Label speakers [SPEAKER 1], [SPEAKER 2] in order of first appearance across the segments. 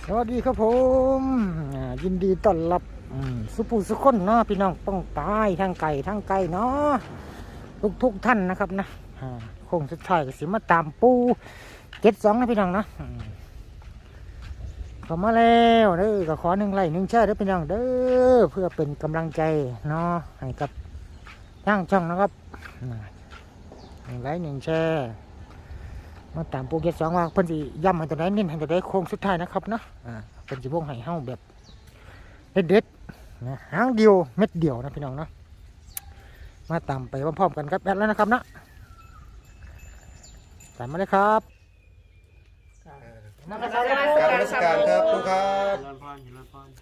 [SPEAKER 1] สวัสดีครับผมยินดีต้อนรับสุภูสุคนเนาะพี่น้องป้องปายทั้งไก่เนาะทุกท่านนะครับนะคงสุดท้ายก็สิมาตามปู72นะพี่น้องเนาะเข้ามาแล้วเด้อก็ขอ1 ไลค์ 1 แชร์เด้อพี่น้องเด้อเพื่อเป็นกำลังใจเนาะให้กับทางช่องนะครับ1 ไลค์ 1 แชร์มาตามโปรเกต2ว่าเพิ่นสิย้ำให้ตัวใดเน้นให้ตัวใดโค้งสุดท้ายนะครับเนาะเพิ่นสิวงให้เฮาแบบเด็ดๆนะหางเดียวเม็ดเดียวนะพี่น้องเนาะมาตามไปพร้อมๆกันครับแอดแล้วนะครับเนาะตามมาเลยครับ
[SPEAKER 2] นมัสการครับครูครับ
[SPEAKER 3] เจริญพรเจริญพร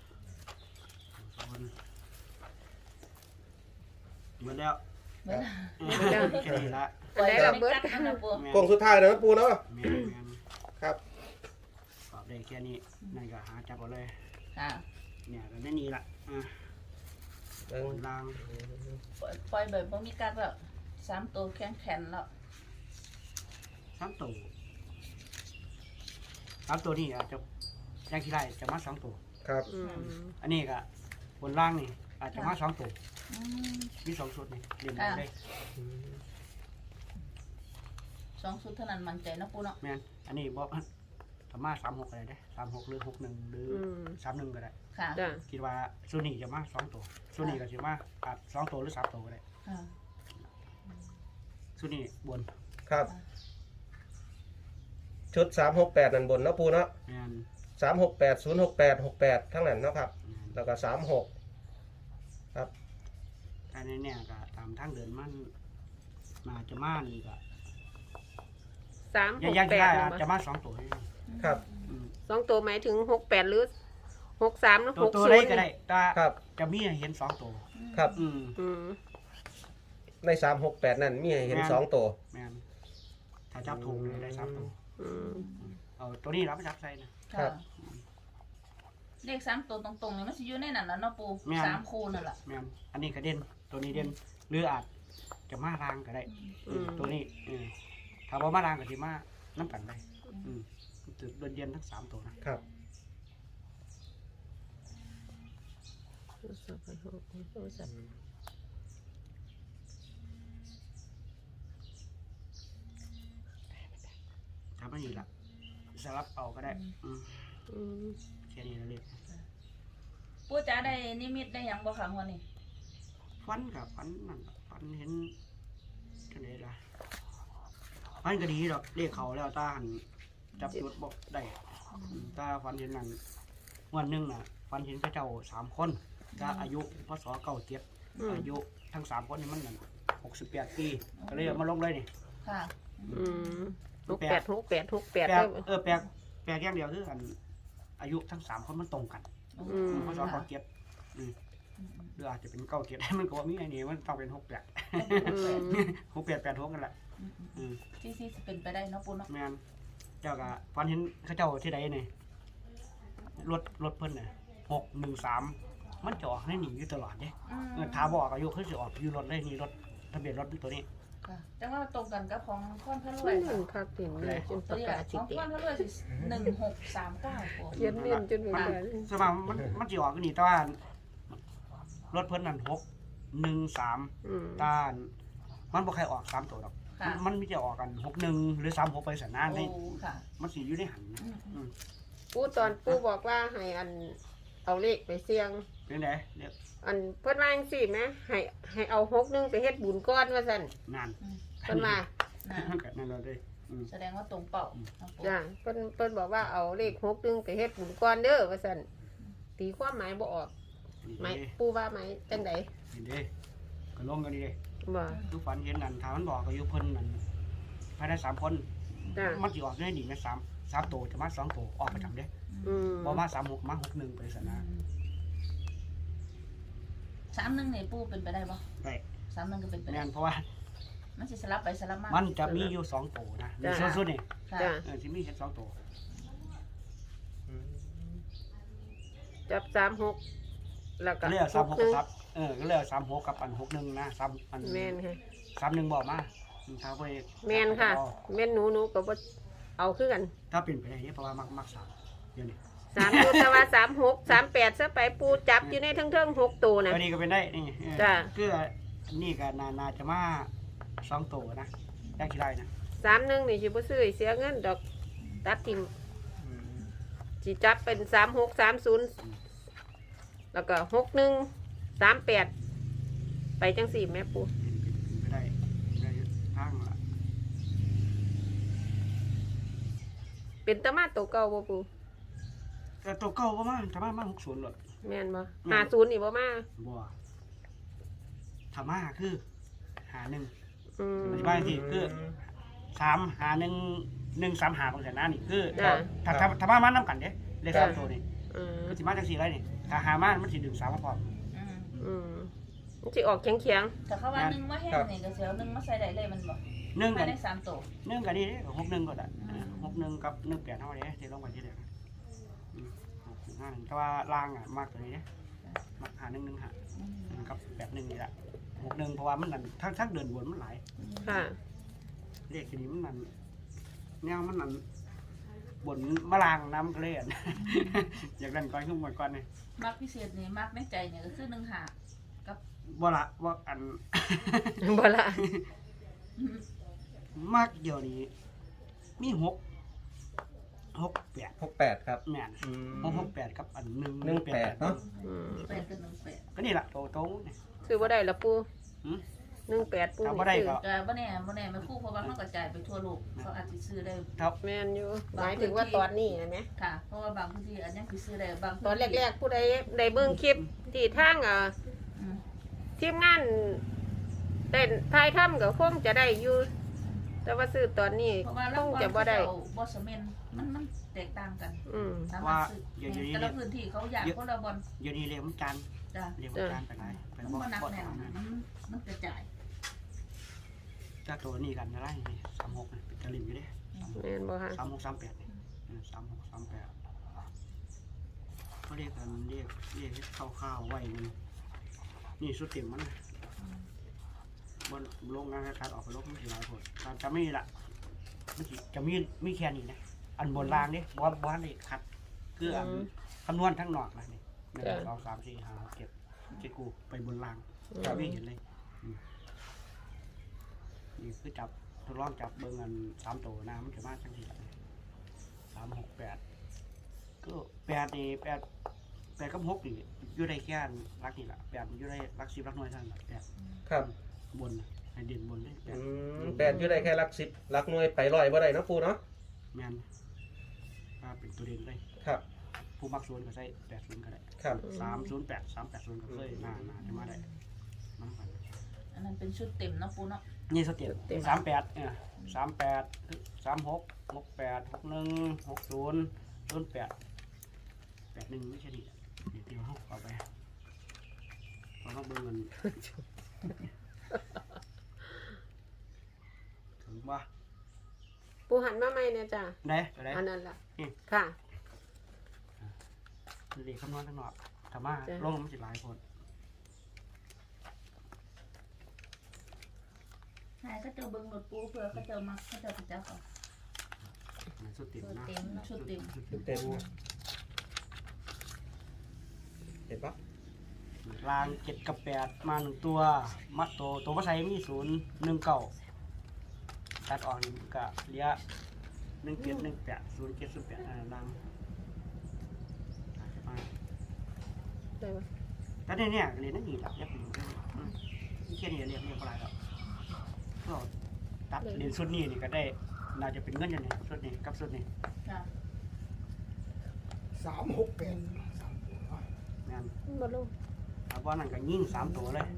[SPEAKER 3] หมดแล้วแค่นี้ละ
[SPEAKER 4] ได้ระเบิด
[SPEAKER 2] โค้งสุดท้ายนะปูเนาะ
[SPEAKER 3] แม่น
[SPEAKER 2] ครับ
[SPEAKER 3] ตอบได้แค่นี้นั่นก็หาจับเอาเลย
[SPEAKER 4] ค่ะ
[SPEAKER 3] เนี่ยก็ได้นี่ละบนล่าง
[SPEAKER 4] ปล่อยแบบบ่มีกัดแล้ว3 ตัวแข็งๆแล้ว
[SPEAKER 3] 3 ตัว3 ตัวนี่อาจจะย่างที่ไรจะมา2 ตัว
[SPEAKER 2] ครับ
[SPEAKER 3] อันนี้ก็บนล่างนี่อาจจะมา2 ตัว
[SPEAKER 4] อืม
[SPEAKER 3] มี2 ชุดนี่เรียนได้
[SPEAKER 4] 2 ชุดเท่านั้นมั่นใจนะปูเนาะ
[SPEAKER 3] แม่นอันนี้บอกสามารถ36ก็ได้เด้36หรือ61หรือ31ก็ได้
[SPEAKER 4] ค่ะ
[SPEAKER 5] จ้ะ
[SPEAKER 3] คิดว่าชุดนี้จะมา2 ตัวชุดนี้ก็จะมาอาจ2 ตัวหรือ3 ตัวก็ได้
[SPEAKER 4] ค่ะ
[SPEAKER 3] ชุดนี้บน
[SPEAKER 2] ครับชุด368นั่นบนเนาะปูเนาะ
[SPEAKER 3] แม่น
[SPEAKER 2] 368 068 68ทั้งนั้นเนาะครับแล้วก็36ครับ
[SPEAKER 3] อันนี้เนี่ยก็ตามทางเดินมันมาจะมานี่ก็
[SPEAKER 5] 3 6
[SPEAKER 3] ยังได้อาจ
[SPEAKER 5] 8
[SPEAKER 3] จะมา2 ตัว
[SPEAKER 2] ครับ
[SPEAKER 5] 2 ตัวหมายถึง68หรือ63หรือ
[SPEAKER 3] ตัวได้ก็
[SPEAKER 5] 60
[SPEAKER 3] ได้แต่
[SPEAKER 2] ครับ
[SPEAKER 3] จะมีให้เห็น2 ตัว
[SPEAKER 2] ครับ
[SPEAKER 5] อืม
[SPEAKER 2] ใน368นั่นมีให้เห็น2ตัว
[SPEAKER 3] แม่นถ้าจับถูกเลยได้3 ตัว
[SPEAKER 5] อืม
[SPEAKER 3] เอาตัวนี้รับไปจับใส่นะ
[SPEAKER 4] ค่ะเลข3 ตัวตรงๆนี่มันสิอยู่ในนั้นแล้วเนาะปู3 คู่นั่นแหละ
[SPEAKER 3] แม่นอันนี้ก็เด่นตัวนี้เด่นหรืออาจจะมาทางก็ได้ตัวนี้ถ้าบ่มาทางก็สิมาน้ำกันได้จุดโดนเย็นทั้ง3 ตัวนะครับ ทำให้นี่ละสลับเอาก็ได้แค่นี้นะเรียก
[SPEAKER 4] ปูจ๋าได้นิมิตได้หยังบ่คะงวดนี้
[SPEAKER 3] ฟันกับฟันนั่นฟันเห็นกันเลยละฟันก็ดีดอกเรียกเขาแล้วตาหันจับจุดบอกได้ตาฟันเห็นนั่นวันหนึ่งน่ะฟันเห็นพระเจ้า3 คนก็อายุพศ97อายุทั้ง3 คนนี่มันนั่น68 ปีก็เลยเอามาลงเลยนี่
[SPEAKER 4] ค่ะ
[SPEAKER 5] 68 68
[SPEAKER 3] แปล
[SPEAKER 5] 68
[SPEAKER 3] กแปลกอย่างเดียวคืออันอายุทั้ง3 คนมันตรงกันพศ97หรืออาจจะเป็น97มันก็ว่ามีไอ้นี่มันต้องเป็น68 68 86กันแหละ
[SPEAKER 4] ที่สิเป็นไปได้เนาะปูเนาะ
[SPEAKER 3] แม่นเจ้าก็ฟันเห็นเขาเจ้าที่ใดนี่รถเพิ่นน่ะ613มันจะออกให้หนีอยู่ตลอดเด้ถ้าบอกอายุเพิ่นสิออกอยู่รถเลยนี่รถทะเบียนรถตัวนี้
[SPEAKER 4] ค่ะจังว่าตรงกันกับของค้อนพระรว
[SPEAKER 5] ไม่
[SPEAKER 4] ย
[SPEAKER 5] หนึ่งครับถึงเลยจนป
[SPEAKER 4] ตัว
[SPEAKER 5] ระ
[SPEAKER 4] นี้
[SPEAKER 5] กาศ
[SPEAKER 4] ข
[SPEAKER 5] สิ
[SPEAKER 4] อง
[SPEAKER 5] ติ
[SPEAKER 4] ค้อนพระรวยสิ1639ปู
[SPEAKER 5] เขียนเน้นจนเหมือนกัน
[SPEAKER 3] สมมันสิออกนี่แต่ว่ารถเพิ่นนั่น613ต้านมันบ่ใครออก3 ตัวดอกมันมีจะออกกัน61หรือ36ไปสันนานได้
[SPEAKER 4] โอ้ค่ะ
[SPEAKER 3] มันสิอยู่ในหัน
[SPEAKER 5] ปู่ตอนปู่บอกว่าให้อันเอาเลขไปเสี่ยง
[SPEAKER 3] เป็นไดเรียก
[SPEAKER 5] อันเพิ่นว่าจังซี่แหมให้เอา61ไปเฮ็ดบุญก่อนว่าซั่น
[SPEAKER 3] นั่น
[SPEAKER 5] เพิ่นว่า
[SPEAKER 3] นั่นเราเลย
[SPEAKER 4] แสดงว่าตรงเป้า
[SPEAKER 5] จ้ะเพิ่นบอกว่าเอาเลข61ไปเฮ็ดบุญก่อนเด้อว่าซั่นตีความหมายบ่ออกหมายปู่ว่าหมายจังได๋
[SPEAKER 3] นี่เด้ก็ลงกันนี่เด้
[SPEAKER 5] บ่
[SPEAKER 3] ทุกฝันเห็นนั่นถ้ามันบอกอายุเพิ่นนั่นภายใน3 คน
[SPEAKER 5] จ้ะ
[SPEAKER 3] มันสิออกได้ดีนะ3 ตัวจะมา2 ตัวออกประจำเด้บ่มา36มา61ไปสันนะ
[SPEAKER 4] 31นี่ปูเป็นไปได้บ่
[SPEAKER 3] ได้
[SPEAKER 4] 31ก็เป็นไปได้
[SPEAKER 3] แม่นเพราะว่า
[SPEAKER 4] มันสิสลับไปสลับมา
[SPEAKER 3] มันจะมีอยู่2 ตัวนะมีสุดๆนี่
[SPEAKER 4] ค่ะ
[SPEAKER 5] จ้ะ
[SPEAKER 3] สิมีแค่2 ตัว
[SPEAKER 5] จับ36แล้วก็
[SPEAKER 3] ก็เลยเอา36กับซับก็เลยเอา36กับอัน61นะ3อัน
[SPEAKER 5] แม่นค่ะ
[SPEAKER 3] 31บอกมาถ้าไป
[SPEAKER 5] แม่นค่ะแม่นหนูก็บ่เอาคือกัน
[SPEAKER 3] ถ้าเป็นไปได้เพราะว่ามักสามเดี๋ยวนี้
[SPEAKER 5] 3อยู่แต่ว่า36 38ซะไปปูจับอยู่ในเทิงๆ6ตัวน่ะ
[SPEAKER 3] ตัวนี้ก็เป็นได้นี่
[SPEAKER 5] จ้ะ
[SPEAKER 3] คือนี่ก็น่าจะมา2ตัวนะได้กี่ได้นะ
[SPEAKER 5] 31นี่สิบ่ซื้อเสียเงินดอกตัดทิ่มสิจับเป็น3630แล้วก็61 38ไปจังสี่แม่ปู
[SPEAKER 3] ไม่ได้ทางละ
[SPEAKER 5] เป็นตะมาตัวเก่าบ่ปู
[SPEAKER 3] แต่ตัวเก่าประมาณ60หลด
[SPEAKER 5] แม่นบ่50นี่บ่มา
[SPEAKER 3] บัวธรรมะคือหาหนึ่ง
[SPEAKER 5] อืม
[SPEAKER 3] อธิบายสิคือ3หา1 1 3หาบางแสนนั่นนี่คือ
[SPEAKER 5] จ้ะ
[SPEAKER 3] ถ้าธรรมะมันนำกันเด้เลข
[SPEAKER 5] จ้ะ
[SPEAKER 3] 3ตัวนี่
[SPEAKER 5] อืม
[SPEAKER 3] มันสิมาจัง4ไรนี่ถ้าหามันมันสิดึง3มาพร้อม
[SPEAKER 4] อืม
[SPEAKER 5] อืมมันสิออกแข็ง
[SPEAKER 4] แต่เขาว่านึงว่าแห้งนี่ก็เสียวนึงมาใส่ได้เลยมันบอก
[SPEAKER 3] 1
[SPEAKER 4] ภา
[SPEAKER 3] กั
[SPEAKER 4] ย
[SPEAKER 3] น
[SPEAKER 4] ใน3ตัว
[SPEAKER 3] 1กันนี่เด้61ก็ได้61กับ18เท่านี้ที่ลงไปที่เดียวนะ651แต่ว่าล่างอ่ะมากตัวนี้เด้มักหา1 1หากับ81นี่แหละ61เพราะว่ามันนั่นทั้งเดินวนมันหลาย
[SPEAKER 5] ๆค่ะ
[SPEAKER 3] เลขนี้มันนั่นแนวมันนั่นบนมะลางน้ำกระเลียน อยากเล่นก้อนขึ้นหมดก้อนนี่
[SPEAKER 4] มักพิเศษนี่มักในใจเนี่ยก็คือ1หากับ
[SPEAKER 3] บ่ละว่าอัน
[SPEAKER 5] บ่ละ
[SPEAKER 3] มากเดี๋ยวนี้มี6 8
[SPEAKER 2] 68ครับ
[SPEAKER 3] แม่น
[SPEAKER 2] อืม
[SPEAKER 3] 6 8กับอัน
[SPEAKER 2] 18เนาะ
[SPEAKER 5] อืม
[SPEAKER 4] 8กับ18
[SPEAKER 3] ก็นี่ล่ะโตนี่
[SPEAKER 5] ซื้อบ่ได้ละปู
[SPEAKER 3] หืม
[SPEAKER 5] 18ปู
[SPEAKER 3] เอา
[SPEAKER 5] นี่
[SPEAKER 3] บ่ได้
[SPEAKER 5] ซื้อ
[SPEAKER 3] ก็
[SPEAKER 4] ก็บ่แน่ไม่คู่เพราะว่ามันกระจายไปทั่วโลกเขาอาจจะซื้อได้
[SPEAKER 3] ครับ
[SPEAKER 5] แม่นอยู่หมายถึงว่าตอนนี้นะแม่
[SPEAKER 4] ค่ะ เพราะว่าบางพื้นที่อันยังสิซื้อได้บาง
[SPEAKER 5] ตอนแรกๆผู้ใดได้เบิ่งคลิปที่ทาง
[SPEAKER 4] อืม
[SPEAKER 5] ทีมงานได้ถ่ายทำก็คงจะได้อยู่ แต่ว่าซื้อตอนนี้
[SPEAKER 4] เพราะว่า
[SPEAKER 5] ค
[SPEAKER 4] เรา
[SPEAKER 5] ง
[SPEAKER 4] บ่
[SPEAKER 5] จะบ่ได้
[SPEAKER 4] บ่สมนมันแตกต่างกัน
[SPEAKER 5] อืม
[SPEAKER 4] สามารถซื้อแต่ละพื้นที่เขาอยากคนละบอล
[SPEAKER 3] เดี๋ยวนี้เรียกมันจาน
[SPEAKER 4] จ้ะ
[SPEAKER 3] เรียกมันจานไปไหนไป
[SPEAKER 4] มัน
[SPEAKER 3] บ่
[SPEAKER 4] บ่หนัก
[SPEAKER 3] บ่
[SPEAKER 4] แน่น
[SPEAKER 3] เอานะ
[SPEAKER 4] มันกระจาย
[SPEAKER 3] ถ้าตัวนี้กันอะไรนี่36นี่เป็นตะลิมอยู่เด้
[SPEAKER 5] แม่นบ่คะ
[SPEAKER 3] 36 38นี่36 38เขาเรียกกันเรียกข้าวๆไว้นี่สุดเต็มมันบนลงงานการออกไปลบมันสิหลายคนจะไม่ละมันสิจะมีแค่นี้นะอันบนรางนี่บอลนี่คัดคืออันคำนวณทั้งนอกนะนี่1 2 3 4 5 7กูไปบนรางไม่เห็นเลยนี่คือจับทดลองจับเบิ่งอัน3ตัวนะมันจะมาจังซี่3 6 8ก็8นี่8กับ6นี่อยู่ได้แค่รักนี่ล่ะ8อยู่ได้รัก10รักน้อยเท่านั้นล่ะ8
[SPEAKER 2] ครับ
[SPEAKER 3] บนให้เด่นบนเลย
[SPEAKER 2] 8อยู่ได้แค่หลัก10หลักหน่วยไป100บ่ได้เนาะปูเนาะ
[SPEAKER 3] แมนถ้าเป็นตัวเด่นเลย
[SPEAKER 2] ครับ
[SPEAKER 3] ผู้มักศูนย์ก็ใช้80ก็ได้
[SPEAKER 2] ครับ
[SPEAKER 3] 308 380ก็เคยน่าจะมาได้มากัน
[SPEAKER 4] อันนั้นเป็นชุดเต็มเนาะปูเนาะ
[SPEAKER 3] นี่สเต็ป3838 36 68 61 60 08 81ไม่ใช่ดิเดี๋ยวเฮาเอาไปเราเบิ่งมันถึงบ่
[SPEAKER 5] ปูหันมาใหม่เนี่ยจ้ะ
[SPEAKER 3] ได้
[SPEAKER 5] อันนั้นล่ะ
[SPEAKER 3] อืม
[SPEAKER 5] ค่ะ
[SPEAKER 3] เลขคำนวณทั้งนอกถ้ามา
[SPEAKER 5] จ้ะ
[SPEAKER 3] ลงมันสิหลายคน
[SPEAKER 4] ใช่ก็เจอเบิ่งรถปูเพื่อเขาเจอมักเขาเจอไปจับเอา
[SPEAKER 3] สุดเต็มนะ
[SPEAKER 4] ชุดเต็ม
[SPEAKER 2] เต็มเห็นปะ
[SPEAKER 3] ลาง7กับ8มา1ตัวมัดตัวภาษามี0 1 9ตัดออกนี่ก็เหลือ1 7 1 8 0 7 0 8ลางมา
[SPEAKER 5] ได้ปะ
[SPEAKER 3] แต่เนี่ยเรียนนั่นนี่แหละเรียกเป็นที่แค่นี้เรียกอะไรแล้วก็ตัดเรียนชุดนี้นี่ก็ได้น่าจะเป็นเงินอย่างนี้ชุดนี้กับชุดนี้
[SPEAKER 4] ค่ะ
[SPEAKER 3] งาน
[SPEAKER 5] บ่ลง
[SPEAKER 3] เอาว่านั่นก็ยิ่ง3ตัวเลย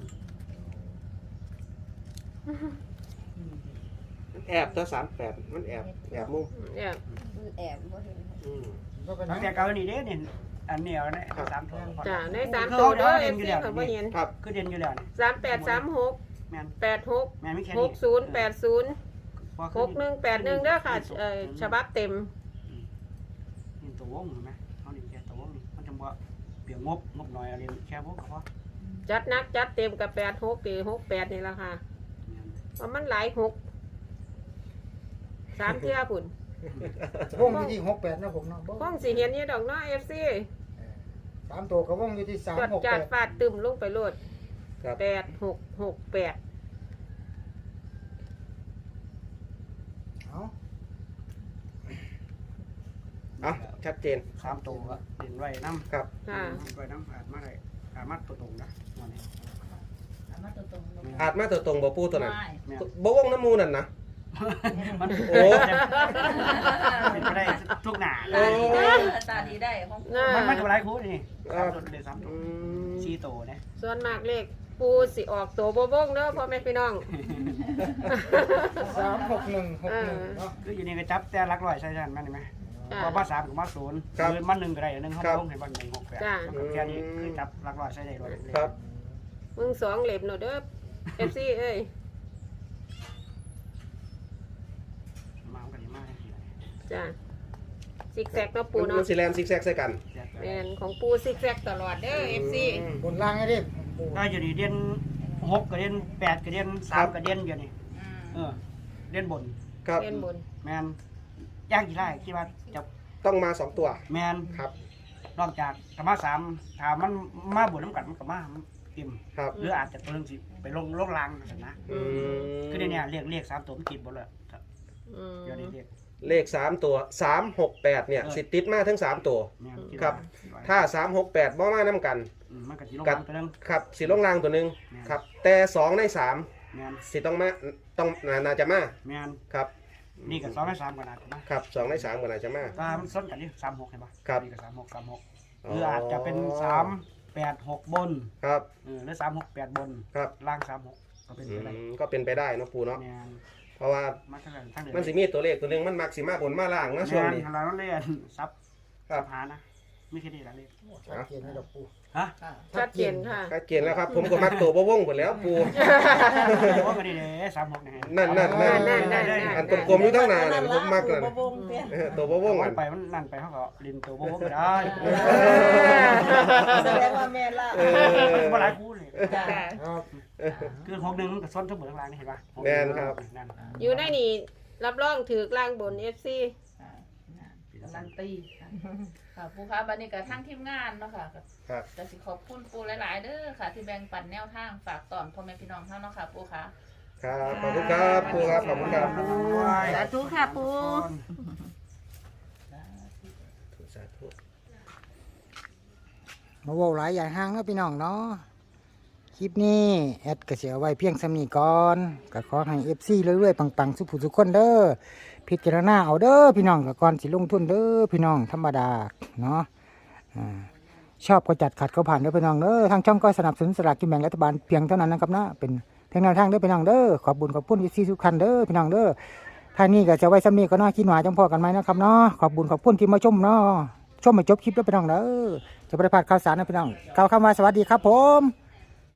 [SPEAKER 2] แอบตัว38มันแอบมุม
[SPEAKER 5] เนี่ย
[SPEAKER 6] แอบบ่เห็น
[SPEAKER 3] ตั้งแต่เก่านี่เด้เนี่ยอันนี้เอาเนี่ย3ตัว
[SPEAKER 5] จ้ะใน3ตัวเด้อ
[SPEAKER 3] เด่น
[SPEAKER 5] FC
[SPEAKER 3] อยู่แล้ว
[SPEAKER 5] เขาบ่เห็น
[SPEAKER 2] ครับ
[SPEAKER 3] คือเด่นอยู่แล้วนี่
[SPEAKER 5] 3836
[SPEAKER 3] แม่น
[SPEAKER 5] 86
[SPEAKER 3] แม่นไม่แค่นี้
[SPEAKER 5] 6080 6181เด้อค่ะฉบับเต็ม
[SPEAKER 3] นี่ตัววงเห็นไหมเขาเรียนแค่ตัววงนี่มันจะบ่เปลี่ยนงบหน่อยเอาเรียนแค่วงก็พอ
[SPEAKER 5] จัดหนักจัดเต็มกับ86หรือ68นี่ล่ะค่ะเพราะมันหลาย6 3เทื่อพุ่น
[SPEAKER 1] วงอยู่ที่68นะผมเนาะบ่
[SPEAKER 5] คงสิเห็นอยู่ดอกเนาะ FC
[SPEAKER 1] 3ตัวก็วงอยู่ที่
[SPEAKER 5] จดจาด
[SPEAKER 1] 368
[SPEAKER 5] ฟาดตึมลงไปโลด
[SPEAKER 2] ครับ
[SPEAKER 5] 8668
[SPEAKER 1] เอา
[SPEAKER 2] อ่ะชัดเจน
[SPEAKER 3] 3ตัวก็เด่นไว้นำ
[SPEAKER 2] ครับ
[SPEAKER 5] ค่ะ
[SPEAKER 3] ไว้นำอาจมาได้อาจมาตัวตรงนะวันนี้
[SPEAKER 4] เอามาตัวตรงลง
[SPEAKER 2] อาจมาตัวตรงบ่ปูตัวนั้น
[SPEAKER 4] ไม่
[SPEAKER 3] แม่น
[SPEAKER 2] บ่วงน้ำมูนั่นนะ
[SPEAKER 3] มัน
[SPEAKER 2] โอ้
[SPEAKER 3] เป็นไปได้ทุกหน้า
[SPEAKER 4] ตาดีได้ตาดีได้ของปู
[SPEAKER 5] น่า
[SPEAKER 3] มันก็หลายคู่นี่
[SPEAKER 2] ครับ
[SPEAKER 3] 3ตัวเด่น3ตัว
[SPEAKER 2] อืม
[SPEAKER 3] 4ตัวนะ
[SPEAKER 5] ส่วนมากเลขปูสิออกตัวบ่วงเด้อพ่อแม่พี่น้อง
[SPEAKER 1] 36161เนาะ
[SPEAKER 3] คืออยู่นี่ก็จับแต่หลักร้อยใช่ๆมันเห็นไหม
[SPEAKER 5] จ้ะ
[SPEAKER 3] พอมา3กับมา0
[SPEAKER 2] ครับ
[SPEAKER 3] คือมา1ก็ได้1เฮา
[SPEAKER 2] ครับ
[SPEAKER 3] ลงให้บ่1 6
[SPEAKER 5] จ้ะ
[SPEAKER 3] 8มันก็แค่นี้คือจับหลักร้อยใช้ได้เลย
[SPEAKER 2] ครับ
[SPEAKER 5] มึง2เล่มเนาะเด้อ FC เอ้ย
[SPEAKER 3] มากันดีมากเลย
[SPEAKER 5] จ้ะซิกแซกเนาะปู
[SPEAKER 2] มัน
[SPEAKER 5] เนาะ
[SPEAKER 2] สิแลนซิกแซกใส่กัน
[SPEAKER 5] แม่นของปูซิกแซกตลอดเด้อ FC
[SPEAKER 1] บนล่างให้ดิปู
[SPEAKER 3] ถ้าอยู่นี่เด่น6กับเด่น8กับเด่น3กับเด่นอยู่นี่
[SPEAKER 4] อืม
[SPEAKER 3] เด่นบน
[SPEAKER 2] ครับ
[SPEAKER 5] เล่นบน
[SPEAKER 3] แมนยากกี่ไร่คิดว่าจะ
[SPEAKER 2] ต้องมา2ตัว
[SPEAKER 3] แมน
[SPEAKER 2] ครับ
[SPEAKER 3] นอกจากธรรมะ3ถามมันมาบนน้ำกัดมันกับมาเต็ม
[SPEAKER 2] ครับ
[SPEAKER 3] หรืออาจจะตัวหนึงสิไปลงลางนะ
[SPEAKER 2] อืม
[SPEAKER 3] คือเนี่ยเรียก3ตัวมันติดหมดเลย
[SPEAKER 5] อืม
[SPEAKER 3] เดี๋ยวนี้เรียก
[SPEAKER 2] เลข3ตัว368เนี่ยสิติดมาทั้ง3ตัว
[SPEAKER 3] แมนด
[SPEAKER 2] ครับ
[SPEAKER 3] ว่า
[SPEAKER 2] ถ้า368บ่มานํกัน
[SPEAKER 3] มันก็สิลงลางตัวหนึง
[SPEAKER 2] ครับสิลงล่างตัวหนึงครับ แต่2ใน3
[SPEAKER 3] แมน
[SPEAKER 2] สิต้องมาต้องน่าจะมา
[SPEAKER 3] แมน
[SPEAKER 2] ครับ
[SPEAKER 3] นี่กับ2 3กันนะครับ
[SPEAKER 2] 2ใน3ก็น่าจะมา
[SPEAKER 3] ตามันซ้นกันนี่36เห็นปะ
[SPEAKER 2] ครับ
[SPEAKER 3] นี่กับ36หรืออาจจะเป็น3 8 6บน
[SPEAKER 2] ครับ
[SPEAKER 3] หรือ3 6 8บน
[SPEAKER 2] ครับ
[SPEAKER 3] ล่าง36ก็เป็น
[SPEAKER 2] อื
[SPEAKER 3] ไปได้
[SPEAKER 2] มก็เป็นไปได้เนาะปูเนาะ
[SPEAKER 3] แมน
[SPEAKER 2] เพราะว่า
[SPEAKER 3] มาทั้งนั้นทั้งเดือน
[SPEAKER 2] มันสิมีตัวเลขตัวหนึงมันมักสิมาบนมาล่างนะช่วงนี้
[SPEAKER 3] เราต้องเรียนซับ
[SPEAKER 2] ครับ
[SPEAKER 3] หานะ ไม่เคยได้ละเลย
[SPEAKER 1] ชัดเจนให้ดอกปู
[SPEAKER 3] ฮะ
[SPEAKER 4] ค่ะ
[SPEAKER 5] ชัดเจนค่ะ
[SPEAKER 2] ชัดเจนแล้วครับ ผมก็มักตัวบ่วงหมดแล้วปู
[SPEAKER 3] โอ้ก็ดีเลย36เนี่ย
[SPEAKER 2] นั่น
[SPEAKER 5] นั่น
[SPEAKER 2] อันกลมๆอยู่ทั้งหน้านั่นผมมักนั่น
[SPEAKER 4] ตัวบ่วงเตี้ย
[SPEAKER 2] ตัวบ่วง
[SPEAKER 3] โอ้
[SPEAKER 2] อั
[SPEAKER 3] ย
[SPEAKER 2] น
[SPEAKER 3] ไปมันนั่นไปเขาก็ลินตัวโบ้ก็ได้
[SPEAKER 4] แสดงว่าแม่ละ
[SPEAKER 3] มันก็หลายคู่เลย
[SPEAKER 4] จ้ะ
[SPEAKER 1] ครับ
[SPEAKER 3] คือของหนึ่งกับซ้อนทั้งหมดทั้งรางนี่เห็นป่ะ
[SPEAKER 2] แม่นครับ
[SPEAKER 3] นั่น
[SPEAKER 5] อยู่ในนี่รับรองถือกลางบน FC
[SPEAKER 4] อ่าการันตีค่ะค่ะปูคะบันนี้กับทั้งทีมงานเนาะค่ะ
[SPEAKER 2] ครับ
[SPEAKER 4] จะสิขอบคุณปูหลายๆเด้อค่ะ ที่แบ่งปันแนวทางฝากตอนพ่อแม่พี่น้องเท่าเนาะค่ะปูคะ
[SPEAKER 2] ครับขอบคุณครับปูครับขอบคุณครับ
[SPEAKER 5] สาธุค่ะปู
[SPEAKER 2] สาธุ
[SPEAKER 1] มาเว้าหลายอย่างห่างเนาะพี่น้องเนาะคลิปนี้แอดก็สิเอาไว้เพียงสำนี้ก่อนก็ขอให้ FC เรื่อยๆปังๆสุขผู้สุขคนเด้อพิจารณาเอาเด้อพี่น้องก็ก่อนสิลงทุนเด้อพี่น้องธรรมดาเนาะชอบก็จัดขัดก็ผ่านเด้อพี่น้องเด้อทางช่องก็สนับสนุนสลากกินแบ่งรัฐบาลเพียงเท่านั้นนะครับนะเป็นเพียงแนวทางเด้อพี่น้องเด้อขอบบุญขอบคุณที่ทุกท่านเด้อพี่น้องเด้อท่านนี้ก็จะไว้สำนี้ก็น่าคิดหวาจังพอกันไหมนะครับเนาะขอบบุญขอบคุณที่มาชมเนาะชมมาจบคลิปเด้อพี่น้องเด้อจะไม่ได้พลาดข่าวสารนะพี่น้องกล่าวคำว่าสวัสดีครับผม